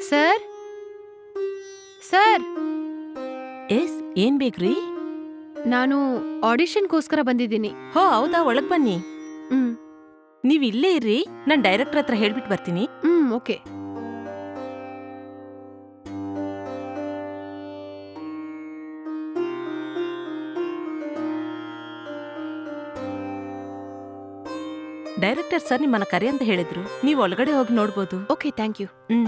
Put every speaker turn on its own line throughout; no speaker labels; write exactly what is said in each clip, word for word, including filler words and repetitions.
Sir sir
S ಏನ್ ಬೇಕ್ರಿ?
ನಾನು ಆಡಿಷನ್ಗೋಸ್ಕರ ಬಂದಿದ್ದೀನಿ.
ಹೋ ಹೌದಾ, ಒಳಗ್ ಬನ್ನಿ.
ಹ್ಮ್
ನೀವ್ ಇಲ್ಲೇ ಇರ್ರಿ, ನಾನ್ ಡೈರೆಕ್ಟರ್ ಹತ್ರ ಹೇಳ್ಬಿಟ್ಟು ಬರ್ತೀನಿ.
ಹ್ಮ್ ಓಕೆ.
ಡೈರೆಕ್ಟರ್ ಸರ್ ನಿಮ್ಮನ್ನ ಕರೆ ಅಂತ ಹೇಳಿದ್ರು, ನೀವ್ ಒಳಗಡೆ ಹೋಗಿ ನೋಡ್ಬೋದು.
Okay, thank you.
Hmm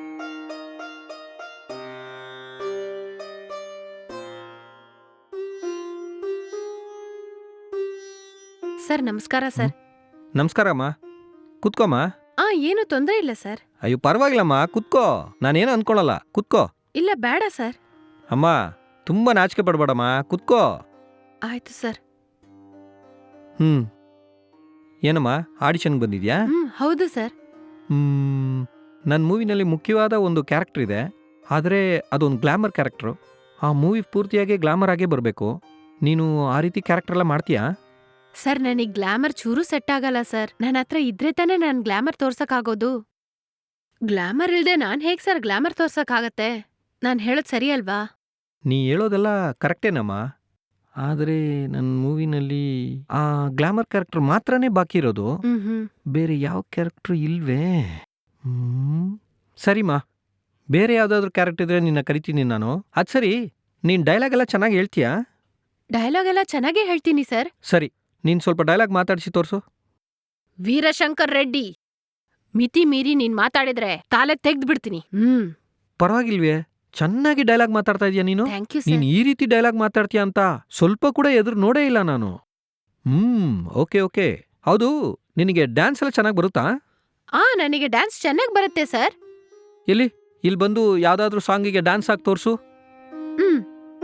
sir ನಮಸ್ಕಾರ ಸರ್.
ನಮಸ್ಕಾರಮ್ಮ, ಕುತ್ಕೋಮ್ಮ.
ಆ ಏನು ತೊಂದರೆ ಇಲ್ಲ ಸರ್.
ಅಯ್ಯೋ ಪರವಾಗಿಲ್ಲಮ್ಮ, ಕುತ್ಕೋ. ನಾನೇನು ಅನ್ಕೊಳಲ್ಲ, ಕುತ್ಕೋ.
ಇಲ್ಲ ಬೇಡ ಸರ್.
ಅಮ್ಮ ತುಂಬ ನಾಚಿಕೆ ಪಡ್ಬೇಡಮ್ಮ, ಕುತ್ಕೋ.
ಆಯ್ತು ಸರ್.
ಹ್ಮ್ ಏನಮ್ಮ ಆಡಿಷನ್ಗೆ ಬಂದಿದ್ಯಾ?
ಹ್ಮ್ ಹೌದು ಸರ್.
ಹ್ಮ್ ನನ್ನ ಮೂವಿನಲ್ಲಿ ಮುಖ್ಯವಾದ ಒಂದು ಕ್ಯಾರೆಕ್ಟರ್ ಇದೆ, ಆದರೆ ಅದೊಂದು ಗ್ಲಾಮರ್ ಕ್ಯಾರೆಕ್ಟ್ರು. ಆ ಮೂವಿ ಪೂರ್ತಿಯಾಗಿ ಗ್ಲಾಮರ್ ಆಗೇ ಬರಬೇಕು. ನೀನು ಆ ರೀತಿ ಕ್ಯಾರೆಕ್ಟರ್ ಎಲ್ಲ ಮಾಡ್ತೀಯಾ?
ಸರ್ ನನಗ್ ಗ್ಲಾಮರ್ ಚೂರು ಸೆಟ್ ಆಗಲ್ಲ ಸರ್. ನನ್ನ ಹತ್ರ ಇದ್ರೆ ತಾನೇ ನಾನ್ ಗ್ಲಾಮರ್ ತೋರ್ಸಕ್ಕಾಗೋದು. ಗ್ಲಾಮರ್ ಇಲ್ದೆ ನಾನ್ ಹೇಗ್ ಸರ್ ಗ್ಲಾಮರ್ ತೋರ್ಸಕ್ಕಾಗತ್ತೆ? ನಾನ್ ಹೇಳೋದ್ ಸರಿ ಅಲ್ವಾ?
ನೀ ಹೇಳೋದೆಲ್ಲ ಕರೆಕ್ಟೇನಮ್ಮ, ಆದರೆ ನನ್ನ ಮೂವಿನಲ್ಲಿ ಆ ಗ್ಲಾಮರ್ ಕ್ಯಾರೆಕ್ಟರ್ ಮಾತ್ರನೇ ಬಾಕಿ ಇರೋದು.
ಹ್ಮ್ ಹ್ಮ್
ಬೇರೆ ಯಾವ ಕ್ಯಾರೆಕ್ಟ್ರು ಇಲ್ವೇ? ಹ್ಮ್ ಸರಿಮಾ, ಬೇರೆ ಯಾವುದಾದ್ರೂ ಕ್ಯಾರೆಕ್ಟರ್ ಇದ್ರೆ ನಿನ್ನ ಕರಿತೀನಿ ನಾನು. ಅದು ಸರಿ, ನೀನು ಡೈಲಾಗ್ ಎಲ್ಲ ಚೆನ್ನಾಗಿ ಹೇಳ್ತೀಯಾ?
ಡೈಲಾಗ್ ಎಲ್ಲ ಚೆನ್ನಾಗೇ ಹೇಳ್ತೀನಿ ಸರ್.
ಸರಿ, ನೀನು ಸ್ವಲ್ಪ ಡೈಲಾಗ್ ಮಾತಾಡಿಸಿ ತೋರಿಸು.
ವೀರಶಂಕರ್ ರೆಡ್ಡಿ, ಮಿತಿ ಮೀರಿ ನೀನ್ ಮಾತಾಡಿದ್ರೆ ತಾಲೆ ತೆಗ್ದು ಬಿಡ್ತೀನಿ. ಹ್ಮ್
ಪರವಾಗಿಲ್ವೇ, ಚೆನ್ನಾಗಿ ಡೈಲಾಗ್ ಮಾತಾಡ್ತಾ ಇದೀಯ ನೀನು.
ಥ್ಯಾಂಕ್ ಯು
ನೀನು
ಸರ್.
ಈ ರೀತಿ ಡೈಲಾಗ್ ಮಾತಾಡ್ತೀಯ ಅಂತ ಸ್ವಲ್ಪ ಕೂಡ ಎದುರು ನೋಡೇ ಇಲ್ಲ ನಾನು. Hmm okay okay. ಹೌದು, ನಿನಗೆ ಡ್ಯಾನ್ಸ್ ಎಲ್ಲ ಚೆನ್ನಾಗಿ ಬರುತ್ತಾ?
ಆ ನನಗೆ ಡ್ಯಾನ್ಸ್ ಚೆನ್ನಾಗ್ ಬರುತ್ತೆ ಸರ್.
ಎಲ್ಲಿ ಇಲ್ಲಿ ಬಂದು ಯಾವುದಾದ್ರೂ ಸಾಂಗಿಗೆ ಡ್ಯಾನ್ಸ್ ಆಗಿ ತೋರಿಸು.
ಹ್ಮ್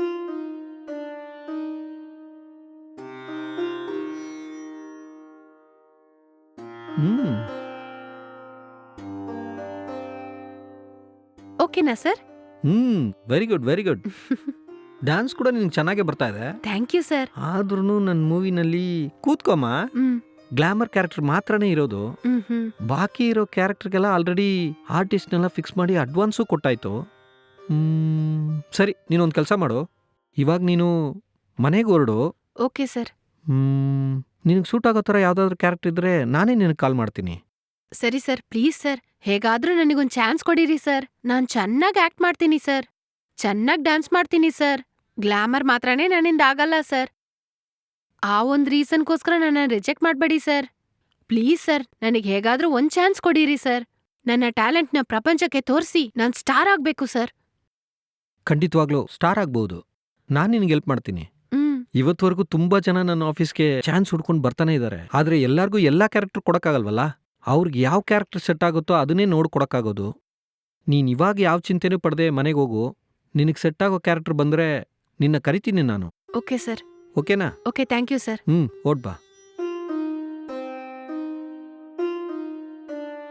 ಹ್ಮ್
ಓಕೆನಾ sir?
Hmm very good very good. Dance ಕೂಡ ನಿನ್ಗೆ ಚೆನ್ನಾಗೇ ಬರ್ತಾ ಇದೆ.
Thank you sir.
ಆದ್ರೂ ನನ್ನ ಮೂವಿನಲ್ಲಿ ಕೂತ್ಕೊಮ್ಮ,
ಹ್ಮ್
ಗ್ಲಾಮರ್ ಕ್ಯಾರೆಕ್ಟರ್ ಮಾತ್ರನೇ ಇರೋದು.
ಹ್ಮ್ ಹ್ಮ್
ಬಾಕಿ ಇರೋ ಕ್ಯಾರೆಕ್ಟರ್ಗೆಲ್ಲ ಆಲ್ರೆಡಿ ಆರ್ಟಿಸ್ಟ್ನೆಲ್ಲ ಫಿಕ್ಸ್ ಮಾಡಿ ಅಡ್ವಾನ್ಸು ಕೊಟ್ಟಾಯ್ತು. ಹ್ಮ್ ಸರಿ, ನೀನೊಂದು ಕೆಲಸ ಮಾಡು, ಇವಾಗ ನೀನು ಮನೆಗೆ ಹೊರಡು.
Okay sir.
ಹ್ಮ್ ನಿನಗೆ ಸೂಟ್ ಆಗೋ ಥರ ಯಾವುದಾದ್ರೂ ಕ್ಯಾರೆಕ್ಟರ್ ಇದ್ರೆ ನಾನೇ ನಿನಗೆ ಕಾಲ್ ಮಾಡ್ತೀನಿ.
ಸರಿ ಸರ್, ಪ್ಲೀಸ್ ಸರ್, ಹೇಗಾದ್ರೂ ನನಗೊಂದ್ ಚಾನ್ಸ್ ಕೊಡಿರಿ ಸರ್. ನಾನ್ ಚೆನ್ನಾಗ್ ಆಕ್ಟ್ ಮಾಡ್ತೀನಿ ಸರ್, ಚೆನ್ನಾಗ್ ಡ್ಯಾನ್ಸ್ ಮಾಡ್ತೀನಿ ಸರ್. ಗ್ಲಾಮರ್ ಮಾತ್ರನೇ ನನ್ನಿಂದ ಆಗಲ್ಲ ಸರ್. ಆ ಒಂದ್ ರೀಸನ್ಗೋಸ್ಕರ ನನ್ನ ರಿಜೆಕ್ಟ್ ಮಾಡ್ಬೇಡಿ ಸರ್. ಪ್ಲೀಸ್ ಸರ್, ನನಗ್ ಹೇಗಾದ್ರೂ ಒಂದ್ ಚಾನ್ಸ್ ಕೊಡಿರಿ ಸರ್. ನನ್ನ ಟ್ಯಾಲೆಂಟ್ನ ಪ್ರಪಂಚಕ್ಕೆ ತೋರಿಸಿ ನಾನ್ ಸ್ಟಾರ್ ಆಗ್ಬೇಕು ಸರ್.
ಖಂಡಿತವಾಗ್ಲೂ ಸ್ಟಾರ್ ಆಗ್ಬೋದು, ನಾನು ನಿನಗೆ ಹೆಲ್ಪ್ ಮಾಡ್ತೀನಿ.
ಹ್ಮ್
ಇವತ್ವರೆಗೂ ತುಂಬಾ ಜನ ನನ್ನ ಆಫೀಸ್ಗೆ ಚಾನ್ಸ್ ಹುಡ್ಕೊಂಡು ಬರ್ತಾನೆ ಇದ್ದಾರೆ, ಆದ್ರೆ ಎಲ್ಲಾರ್ಗೂ ಎಲ್ಲಾ ಕ್ಯಾರೆಕ್ಟರ್ ಕೊಡಕ್ಕಾಗಲ್ವಲ್ಲ. ಅವ್ರಿಗೆ ಯಾವ ಕ್ಯಾರೆಕ್ಟರ್ ಸೆಟ್ ಆಗುತ್ತೋ ಅದನ್ನೇ ನೋಡಿ ಕೊಡಕ್ಕಾಗೋದು. ನೀನ್ ಇವಾಗ ಯಾವ ಚಿಂತೆನೂ ಪಡೆದೆ ಮನೆಗೆ ಹೋಗು. ನಿನಗೆ ಸೆಟ್ ಆಗೋ ಕ್ಯಾರೆಕ್ಟರ್ ಬಂದ್ರೆ ನಿನ್ನ ಕರಿತೀನಿ ನಾನು.
Okay sir.
ಓಕೆನಾ?
Okay, thank you sir.
Hmm ಓಡ್ ಬಾ.